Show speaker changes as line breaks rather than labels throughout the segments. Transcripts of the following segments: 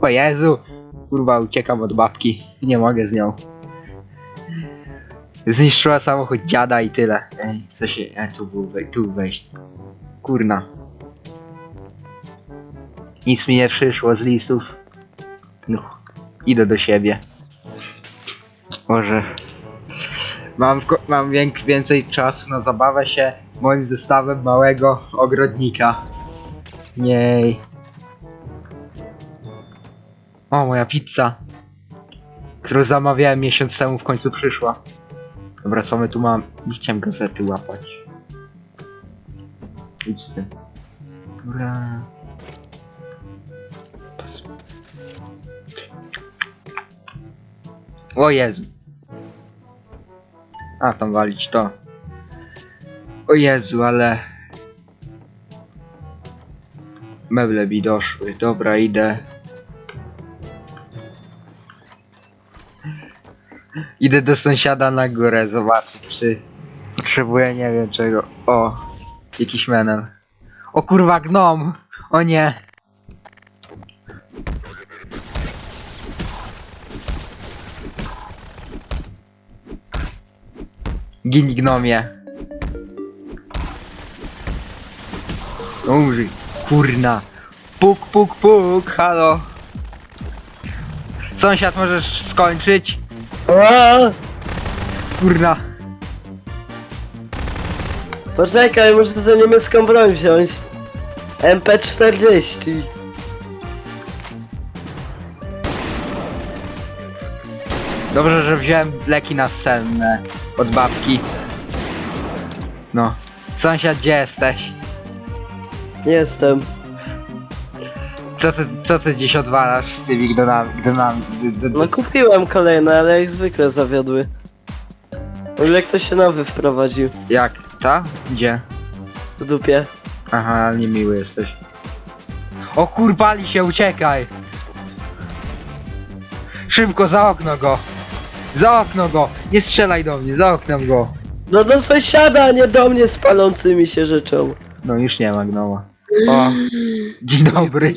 O Jezu! Kurwa, uciekam od babki. Nie mogę z nią. Zniszczyła samochód dziada i tyle. Ej, co się... tu wejść. Kurna. Nic mi nie przyszło z listów. No, idę do siebie. Może... Mam więcej czasu na zabawę się moim zestawem małego ogrodnika. Jej. O, moja pizza, którą zamawiałem miesiąc temu, w końcu przyszła. Dobra, co my tu mam? Nie chciałem gazety łapać. Idź z tym. Dobra. O Jezu. A, tam walić to. O Jezu, ale... meble mi doszły. Dobra, idę. Idę do sąsiada na górę zobaczyć, czy potrzebuję, nie wiem czego. O, jakiś menel. O kurwa, gnom! O nie! Gin gnomie. Umrzyj, kurna. Puk, puk, puk, halo. Sąsiad, możesz skończyć? Kurna.
Poczekaj, muszę za niemiecką broń wziąć. MP40.
Dobrze, że wziąłem leki następne od babki. No. Sąsiad, gdzie jesteś?
Jestem.
Co ty dziś odwalasz z tymi gnonami?
No kupiłem kolejne, ale jak zwykle zawiodły. W ogóle ktoś się nowy wprowadził.
Jak? Ta? Gdzie?
W dupie.
Aha, niemiły jesteś. O kurwali się, uciekaj! Szybko, za okno go! Za okno go! Nie strzelaj do mnie, za oknem go!
No do sąsiada, a nie do mnie z palącymi się rzeczą.
No już nie ma gnoma. O! Dzień dobry!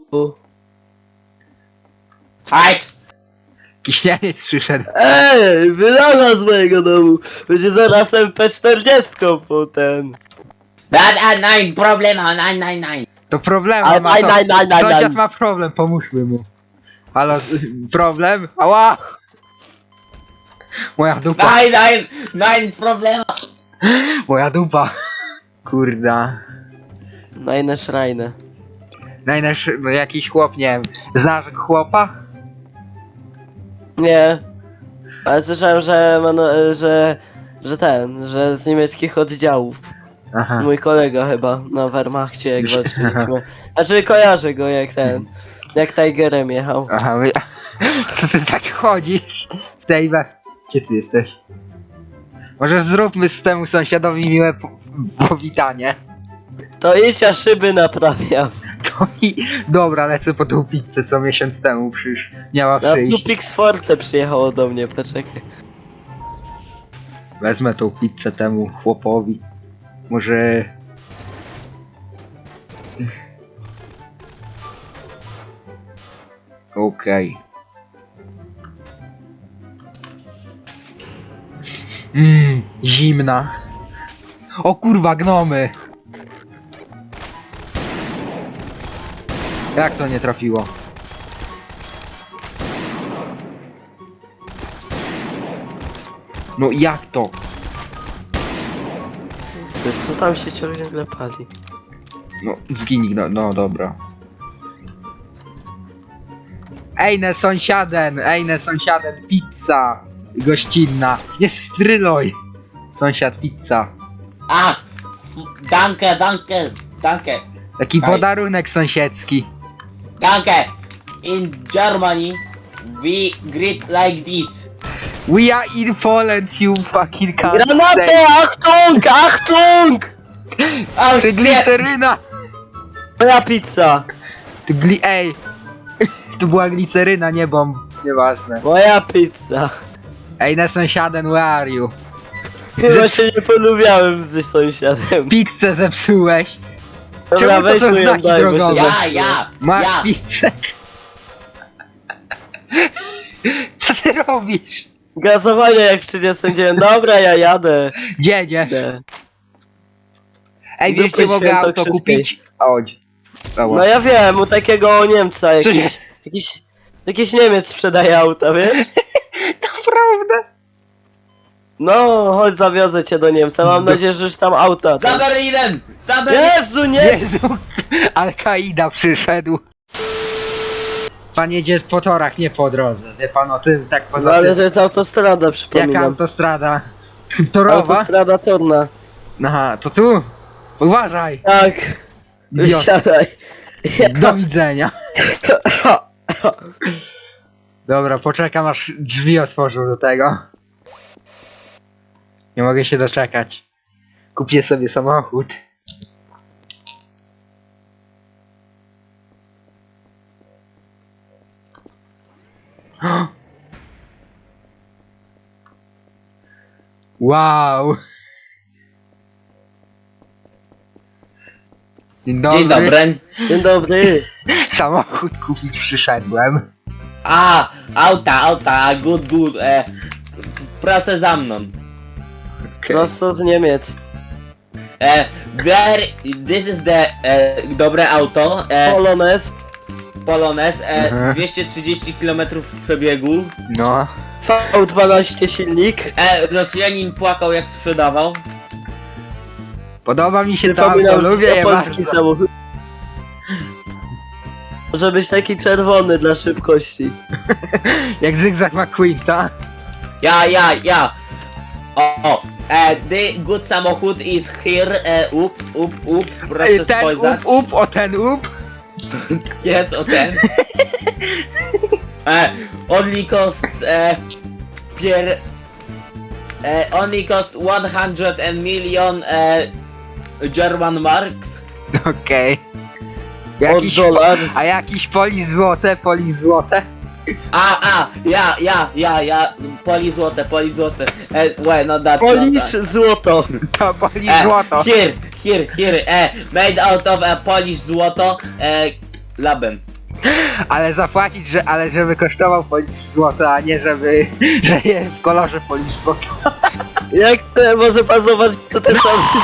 Hajs!
Kiśnianiec przyszedł.
Ej, wylana z mojego domu. Będzie zaraz MP40 potem.
Nein, problema, nein.
To problem
Ale
ma to.
nein.
Sąsiad ma problem, pomóżmy mu. Halo, problem? Ała! Moja dupa.
Nein, problema.
Moja dupa. Kurda.
Najne szrajne.
No jakiś chłop, nie wiem. Znasz chłopa?
Nie. Ale słyszałem, że z niemieckich oddziałów.
Aha.
Mój kolega chyba na Wehrmachcie jak walczyliśmy. Znaczy kojarzę go jak Tigerem jechał.
Aha, co ty tak chodzisz? W tej Gdzie ty jesteś? Może zróbmy z temu sąsiadowi miłe powitanie.
To idź, ja szyby naprawiam.
To i... Dobra, lecę po tą pizzę, co miesiąc temu miała
Na
przyjść.
Dupix Forte przyjechało do mnie, poczekaj.
Wezmę tą pizzę temu chłopowi. Może... Okej. Zimna. O kurwa, gnomy! Jak to nie trafiło? No jak to?
Co tam się ciągle pali?
No zginij, no dobra. Ejne sąsiaden, pizza gościnna. Nie stryloj. Sąsiad, pizza.
Danke.
Taki
Daj.
podarunek sąsiedzki.
Danke. In Germany, we greet like this.
We are in Poland, you fucking cunt.
Granaty! Achtung!
Oh
To
shit!
gliceryna!
Moja pizza!
Ej! Tu była gliceryna, nie bomb. Nieważne.
Moja pizza!
Ej, na sąsiaden, where are you?
Chyba się nie polubiałem z sąsiadem.
Pizzę zepsułeś.
Dobra,
Czemu to
weź
są
mu ją
znaki
daj, bo się
drogowe?
zepsuło.
Ja.
Masz pizzę. Co ty robisz?
Gazowanie jak w 39. Dobra, ja jadę.
Gdzie, gdzie?
Idę.
Ej, wiesz,
Dupy
gdzie mogę auto
świętokrzyskiej.
kupić? Chodź.
No ja wiem, u takiego Niemca jakiś Niemiec sprzedaje auta, wiesz?
Naprawdę?
No, chodź zawiozę cię do Niemca, mam nadzieję, że już tam auta.
Za Berlinem! Za Berlinem!
Jezu, nie!
Jezu, Al-Kaida przyszedł. Pan jedzie po torach, nie po drodze. Wie pan o tym, tak
No
poza
ale
tym.
to jest autostrada,
Jaka
przypominam.
autostrada? Torowa?
Autostrada torna.
Aha, to tu? Uważaj.
Tak,
Idiot.
siadaj.
Do widzenia. Dobra, poczekam aż drzwi otworzą do tego. Nie mogę się doczekać. Kupię sobie samochód. Wow. Dzień dobry.
Dzień dobry.
Dzień dobry.
Samochód kupić przyszedłem.
A, auta, good, proszę za mną.
Prosto z Niemiec.
This is the, dobre auto,
Polonez.
Polones,
Mhm.
230 km przebiegu.
No.
V12 silnik.
Rosjanin płakał jak sprzedawał.
Podoba mi się to auto,
Przypominam,
lubię je
japoński
bardzo.
samochód. Może być taki czerwony dla szybkości.
Jak Zygzak McQueen, ta?
Ja. The good samochód is here, proszę
Ten
spojrzeć.
o ten up.
Jest o ten. Only cost only cost 100 million German marks.
Okej.
Od
Jakiś,
dolarów.
a jakiś polis złote,
Ja, poli złote. Wait, not that.
Polish złoto.
to polis złoto.
Here, made out of Polish złoto, labem.
Ale zapłacić, ale żeby kosztował polis złoto, a nie żeby, że jest w kolorze polis złoto.
Jak to, może pan zobaczyć, to też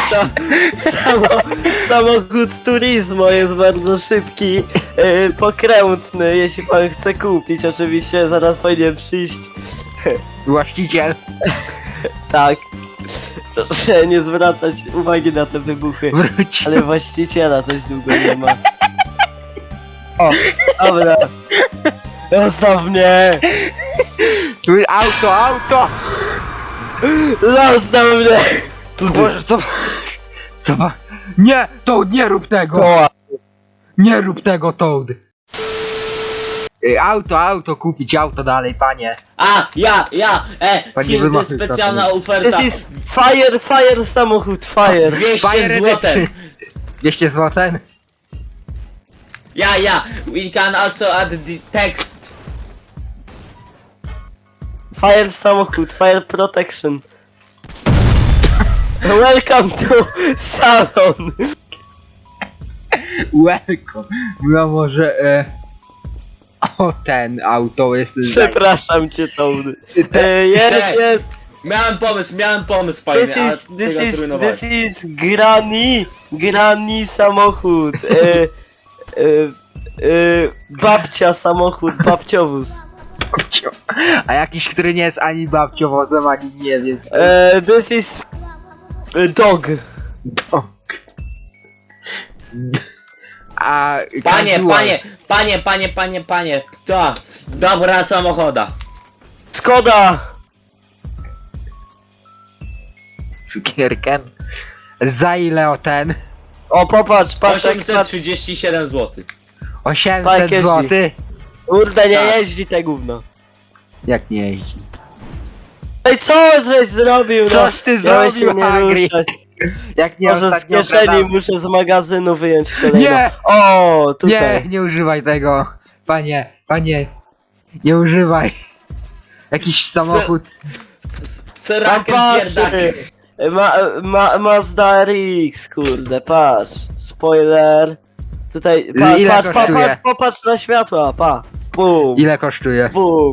samochód Turismo jest bardzo szybki, pokrętny, jeśli pan chce kupić, oczywiście zaraz powinien przyjść,
Właściciel.
tak, proszę nie zwracać uwagi na te wybuchy,
Wróć.
ale właściciela coś długo nie ma. O, dobra, zostaw mnie,
Tu auto.
zostaw mnie,
Boże, co ma? Nie, Toad, nie rób tego.
Koła.
Nie rób tego, Toad. Auto, kupić auto dalej, panie.
Here,
Panie
to
wymachuj
specjalna
trochę.
oferta.
This is fire samochód, fire.
200 złotem.
200 zł?
Yeah, we can also add the text.
Fire samochód, fire protection. Welcome to salon.
Welcome. No może, o, ten auto jest...
Przepraszam cię, Toad. Jest.
Miałem pomysł fajny,
This is granny samochód. Babcia samochód, babciowóz.
Babcio. A jakiś, który nie jest ani babciowozem, ani nie wiem.
This is dog.
Dog. A
Panie, to dobra samochoda.
Skoda.
Cukierkiem. Za ile o ten?
O, popatrz, patrz,
837 zł.
800
Tak, jeździ.
zł?
Kurde, nie
Tak.
jeździ te gówno.
Jak nie jeździ?
Ej, co żeś zrobił, no?
Coś ty
Miałeś się
zrobił,
nie
Agri.
ruszać.
Jak nie
Może z
ostatnio
kieszeni
gadałem.
muszę z magazynu wyjąć kolejną.
Nie!
O,
Nie,
tutaj.
nie używaj tego. Panie, nie używaj. Jakiś samochód.
Serakiem
patrz,
pierdaki.
Mazda RX, kurde, patrz. Spoiler. Tutaj,
Ile
patrz,
kosztuje?
popatrz na światła, pa. Bum.
Ile kosztuje?
Bum.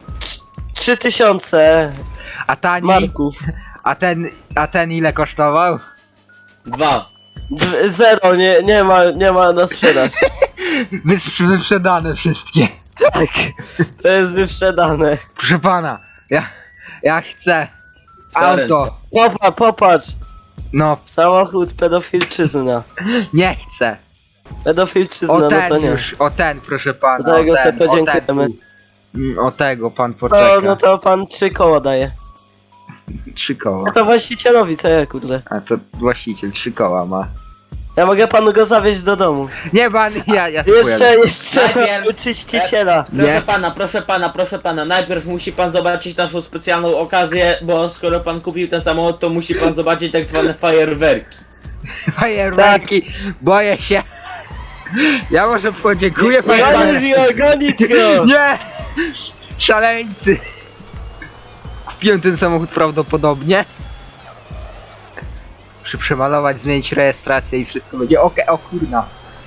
3000
A tani?
marków.
A ten ile kosztował?
2.
Zero, nie ma na sprzedaż.
Wyprzedane wszystkie.
Tak, to jest wyprzedane.
Proszę pana, ja chcę auto.
Popatrz,
No,
samochód pedofilczyzna.
nie chcę.
Pedofilczyzna,
O
no
ten
to nie.
już, o ten proszę pana.
Do tego
o ten,
sobie podziękujemy.
o ten tu. O tego pan poczeka.
No to pan 3 koła daje.
3 koła.
No to właścicielowi, co ja kurde.
A to właściciel 3 koła ma.
Ja mogę panu go zawieźć do domu.
Nie pan, ja
Jeszcze
Najpierw-
czyściciela.
Nie.
Proszę pana, najpierw musi pan zobaczyć naszą specjalną okazję, bo skoro pan kupił ten samochód, to musi pan zobaczyć tak zwane fajerwerki.
Fajerwerki, boję się. Ja może podziękuję
Nie,
Gonić go!
Nie! Szaleńcy! Kupiłem ten samochód prawdopodobnie. Muszę przemalować, zmienić rejestrację i wszystko będzie okej. O kurna.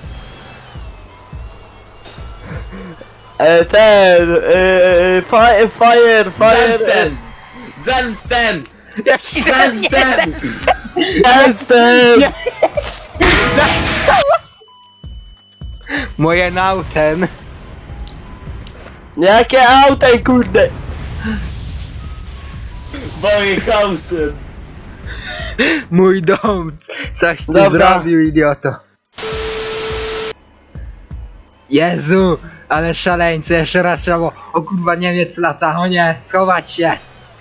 Fire!
Zemstem! Zemstem!
Jaki
Zemstem!
Jestem!
Nie. Moje nauten.
Jakie auto, kurde!
Moim hausem!
Mój dom. Coś ty
Dobra.
zrobił, idioto. Jezu, ale szaleńcy, jeszcze raz trzeba było. O kurwa, Niemiec lata, o nie, schować się.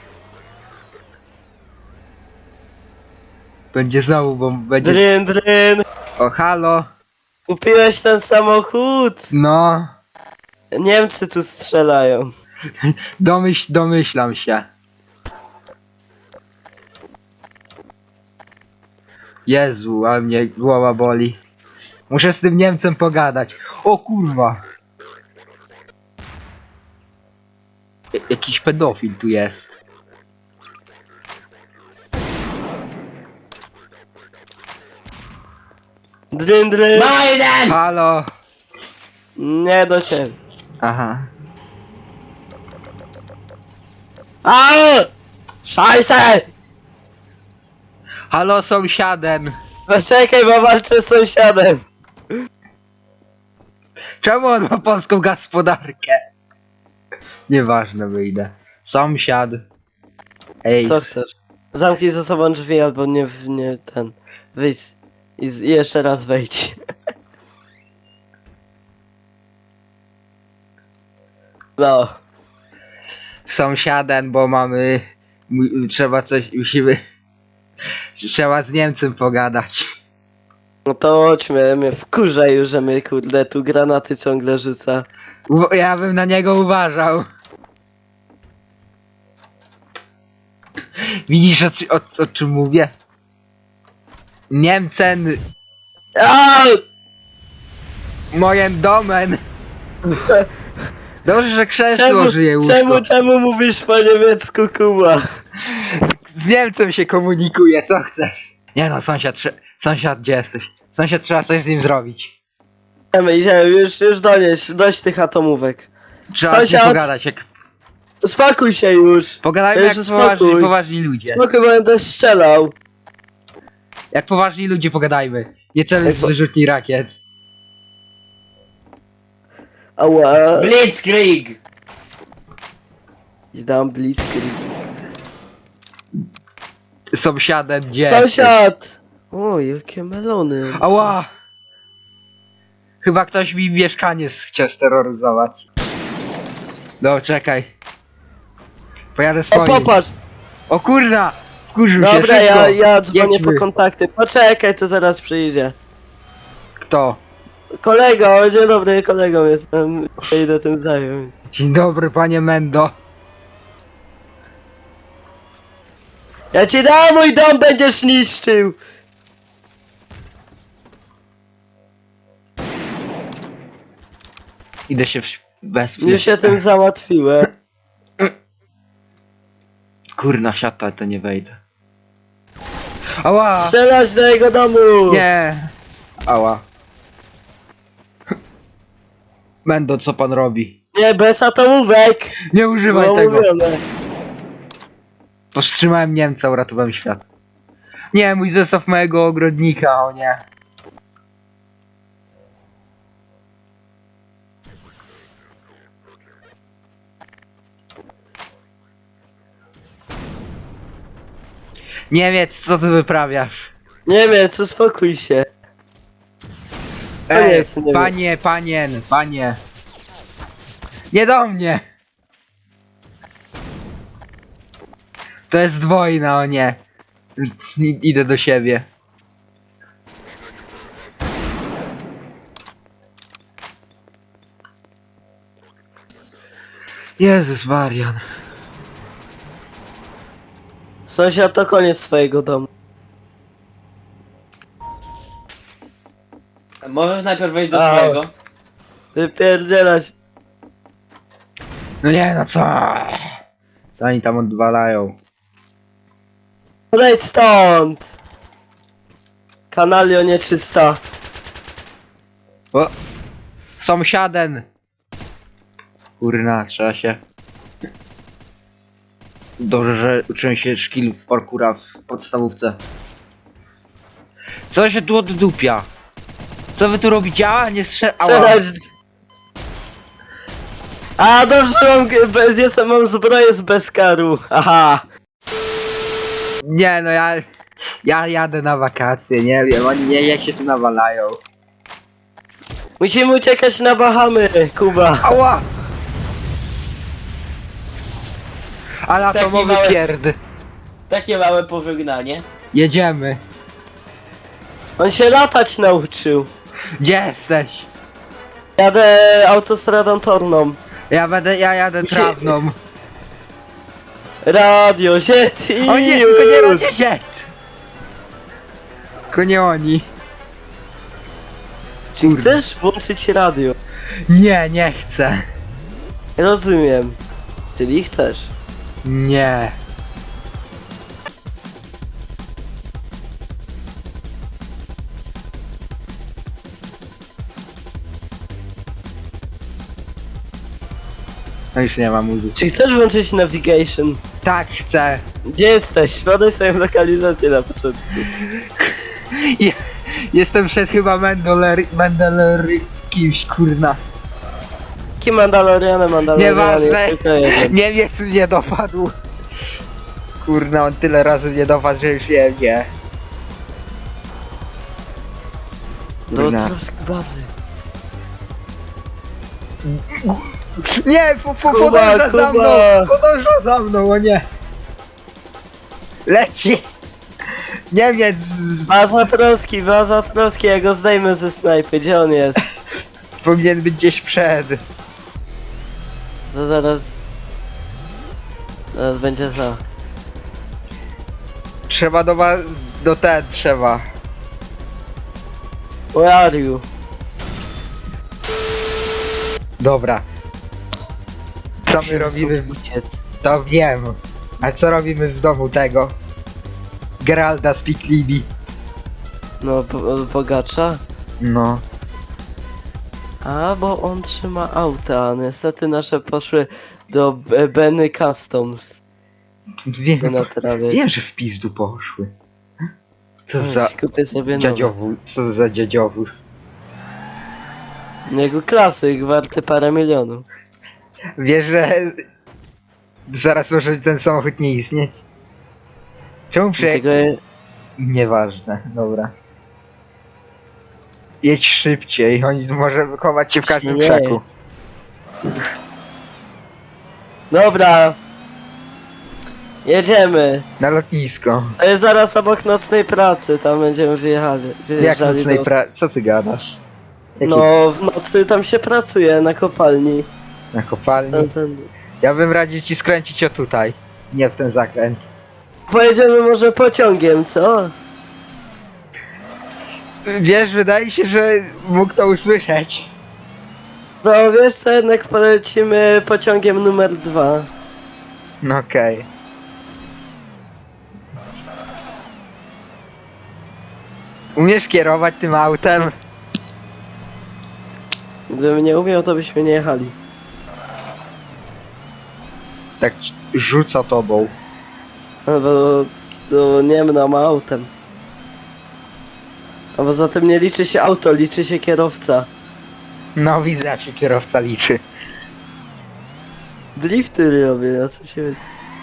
Będzie znowu, bo będzie...
Dryn!
O, halo.
Kupiłeś ten samochód?
No,
Niemcy tu strzelają.
domyślam się. Jezu, a mnie głowa boli. Muszę z tym Niemcem pogadać. O kurwa. Jakiś pedofil tu jest.
Dryn!
Biden!
Halo.
Nie do ciebie.
Aha.
A! Szajse!
Halo sąsiaden.
Poczekaj, bo walczę z sąsiadem.
Czemu on ma polską gospodarkę? Nieważne, wyjdę. Sąsiad. Ej.
Co chcesz? Zamknij za sobą drzwi albo nie ten. Wyjdź. I jeszcze raz wejdź. No.
Sąsiaden, bo mamy... Trzeba coś... Musimy... Trzeba z Niemcem pogadać.
No to chodźmy, mnie wkurza już, że my kurde tu granaty ciągle rzuca.
Ja bym na niego uważał. Widzisz o czym mówię? Niemcen,
A!
mojen domen. Dobrze, że krzesło żyje łóżko.
czemu mówisz po niemiecku, Kuba?
Z Niemcem się komunikuje, co chcesz? Nie no, sąsiad, gdzie jesteś? Sąsiad, trzeba coś z nim zrobić.
Idziemy, już dość tych atomówek.
Trzeba z nim
Sąsiad!
pogadać, jak...
Spokój się już!
Pogadajmy jak
Jezu,
poważni ludzie.
Spokój, będę strzelał.
Jak poważni ludzie pogadajmy. Nie celuj w wyrzutni rakiet.
Ała.
Blitzkrieg!
Dam blitzkrieg.
Sąsiadem, gdzie?
Sąsiad! O, jakie melony.
Ała! Chyba ktoś mi mieszkanie chciał steroryzować. No, czekaj. Pojadę
O,
swoim.
popatrz!
O kurna! Wkurzył się,
Dobra,
szybko.
ja dzwonię
Jedźmy.
po kontakty. Poczekaj, to zaraz przyjdzie.
Kto?
Kolego, dzień dobry, kolegą jestem. Idę tym zająć.
Dzień dobry, panie Mendo.
Ja ci dam, mój dom będziesz niszczył!
Idę się wesprzeć.
Już się tym załatwiłem.
Kurna, siata, to nie wejdę. Ała!
Strzelać do jego domu!
Nie! Ała. Mendo, co pan robi?
Nie, bez atomówek!
Nie używaj
Było
tego.
mówione.
Powstrzymałem Niemca, uratowałem świat. Nie, mój zestaw mojego ogrodnika, o nie. Niemiec, co ty wyprawiasz?
Niemiec, uspokój się.
Ej,
jest Niemiec.
panie. Nie do mnie! To jest wojna, o nie. Idę do siebie. Jezus Marian.
Sąsiad, to koniec twojego domu.
Możesz najpierw wejść do
A.
swojego.
Wypierdzielać.
No nie, no co? Co oni tam odwalają?
Odejdź stąd! Kanalio nieczysta.
O! Sąsiaden! Kurna, trzeba się... Dobrze, że uczyłem się szkilów parkoura w podstawówce. Co się tu oddupia? Co wy tu robicie? A, nie Ała.
Strzelać! A, dobrze, mam zbroję z bezkaru. Aha!
Nie no, ja jadę na wakacje, nie wiem, oni nie jak się tu nawalają.
Musimy uciekać na Bahamy, Kuba.
Ała! Ale
Taki
atomowy
mały-
pierd.
Takie małe pożegnanie.
Jedziemy.
On się latać nauczył.
Gdzie jesteś?
Jadę autostradą torną.
Ja jadę
Mi się-
trawną.
Radio, ziet i
O nie, tylko nie
już.
robię się! Tylko nie oni.
Czy chcesz włączyć radio?
Nie chcę.
Rozumiem. Czyli chcesz.
Nie. No już nie ma muzyki.
Czy chcesz włączyć navigation?
Tak, chcę.
Gdzie jesteś? Podaj swoją lokalizację na początku.
Je, jestem przed chyba Mendeler kimś, kurna.
Kim Mandalorianem
Nieważne.
jest tylko jeden.
Niemiec mnie dopadł. Kurna, on tyle razy mnie dopadł, że już nie wie.
Do
Kurna.
otwarskiej bazy.
Nie,
Kuba,
podąża za mną!
Kuba.
Podąża za mną, o nie! Leci! Niemiec!
Baza Troski, ja go zdejmę ze snajpy. Gdzie on jest?
Powinien być gdzieś przed.
To zaraz... Zaraz będzie za.
Trzeba do ten trzeba.
Where are you?
Dobra. Co my robimy?
Uciec.
To wiem. A co robimy w domu tego? Geralda z Piklibi.
No, bogacza?
No.
A, bo on trzyma auta, a niestety nasze poszły do Benny Customs.
Wiem,
Do naprawy.
wiem, że w pizdu poszły. Co za
Kupię sobie nowe.
dziadziowóz? Co za dziadziowóz?
Jego klasyk, warty parę milionów.
Wiesz, że zaraz może ten samochód nie istnieć? Czemu
Tego
Nieważne, dobra. Jedź szybciej, oni może chować się w każdym
Nie.
krzaku.
Dobra. Jedziemy.
Na lotnisko.
To jest zaraz obok nocnej pracy, tam będziemy
Jak
wyjeżdżali
nocnej
do...
Co ty gadasz? Jaki...
No, w nocy tam się pracuje, na kopalni.
Na kopalni?
Ten...
Ja bym radził ci skręcić o tutaj. Nie w ten zakręt.
Pojedziemy może pociągiem, co?
Wiesz, wydaje się, że mógł to usłyszeć.
To wiesz co, jednak polecimy pociągiem numer 2.
No okej. Umiesz kierować tym autem?
Gdybym nie umiał, to byśmy nie jechali.
Tak rzuca tobą.
No bo to nie mną autem. A poza tym nie liczy się auto, liczy się kierowca.
No widzę, jak się kierowca liczy.
Drifty robię, na co się chodzi.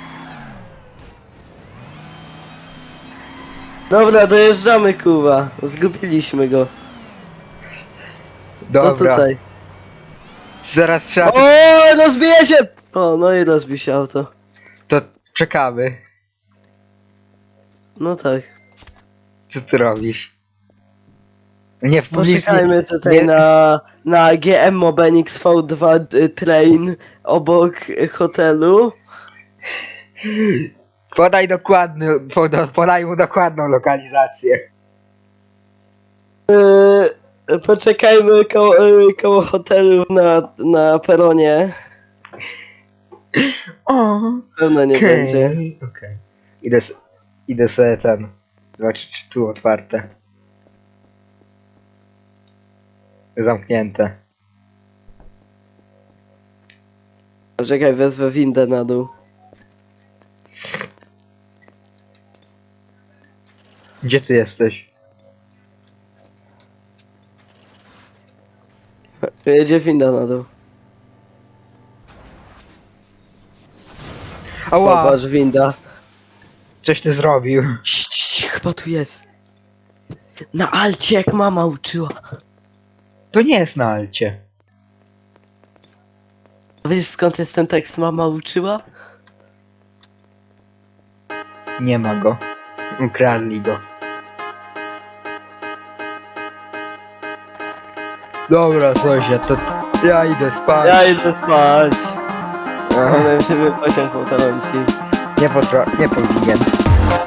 Dobra, dojeżdżamy, Kuba. Zgubiliśmy go. Co
Dobra,
tutaj?
zaraz trzeba...
O, rozbije się! O, no i rozbił się auto.
To czekamy.
No tak.
Co ty robisz? Nie w publicznie.
Poczekajmy tutaj
nie-
na GM Mobenix V2 train obok hotelu.
Podaj mu dokładną lokalizację.
Poczekajmy koło hotelu na peronie.
O,
Pewno nie będzie.
Okej. Idę sobie ten. Zobaczyć, czy tu otwarte. Zamknięte.
Poczekaj, wezwę windę na dół.
Gdzie ty jesteś?
Jedzie winda na dół.
Ała!
Popatrz, winda.
Coś ty zrobił.
Chyba tu jest. Na Alcie, jak mama uczyła.
To nie jest na Alcie.
Wiesz, skąd jest ten tekst mama uczyła?
Nie ma go. Ukradli go. Dobra, sąsiad, to ja idę spać.
Ja idę spać.
Aha.
Ona się pociąg potrąci.
Nie powinien.